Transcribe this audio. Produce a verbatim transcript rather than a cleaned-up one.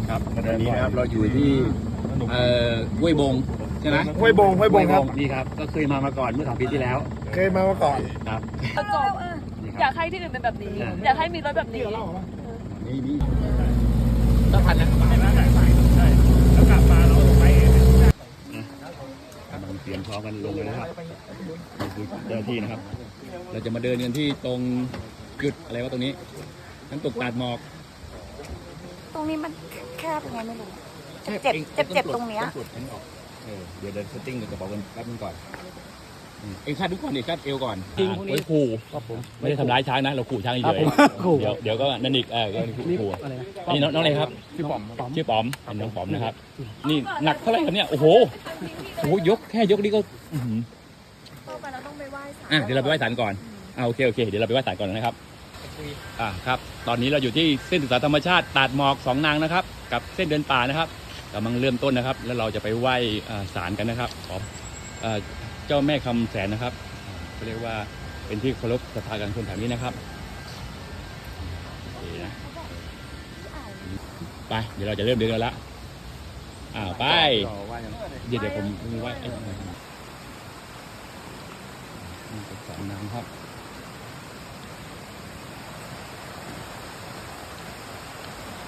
ครับวันนี้นะครับเราอยู่ที่เอ่อห้วยบงใช่ไหมห้วยบงห้วยบงครับนี่ครับก็เคยมามาก่อนเมื่อสองปีที่แล้วเคยมามาก่อนครับจบอยากให้ที่อื่นเป็นแบบนี้ อยากให้มีรถแบบนี้นี่นี่ต้องพันนะแล้วกลับมาเราไปกำลังเตรียมพร้อมกันลงเลยนะครับนี่คือเจ้าหน้าที่นะครับ เราจะมาเดินกันที่ตรงจุดอะไรวะตรงนี้น้ำตกตาดหมอกตรงนี้มันแคบยังไงไม่รู้ เจ็บเจ็บเจ็บตรงเนี้ยต้องปลดฉันออกเออเดี๋ยวเดินเซตติ้งกับกระเป๋ากันแป๊บนึงก่อนอืมเอ็งคาดทุกคนเอ็งคาดเอวก่อนจริงพวกนี้ขู่ไม่ได้ทำร้ายช้างนะเราขู่ช้างเฉยๆเดี๋ยวเดี๋ยวก็นั่นอีกเออก็ขู่อันนี้น้องน้องอะไรครับชื่อป๋อมชื่อป๋อมเป็นน้องป๋อมนะครับ นี่หนักเท่าไหร่ครับเนี่ยโอ้โหโอ้โหยกแค่ยกนี่ก็อื้อหือต่อไปเราต้องไปไหว้ศาลอ่ะเดี๋ยวเราไปไหว้ศาลก่อนอ่าโอเคโอเคเดี๋ยวเราไปไหว้ศาลก่อนนะครับอ่าครับตอนนี้เราอยู่ที่เส้นศึกษาธรรมชาติตาดหมอกสองนางนะครับกับเส้นเดินป่านะครับกำลังเริ่มต้นนะครับ แล้วเราจะไปไหว้อ่าศาลกันนะครับขออ่าเจ้าแม่คำแสนนะครับเขาเรียกว่าเป็นที่เคารพศรัทธากันคนแถวนี้นะครับโอเคนะไปเดี๋ยวเราจะเริ่มเดินกันละอ้าวไปเดี๋ยวเดี๋ยวผมมีไหว้ไอ้นี่เป็นสองนางครับ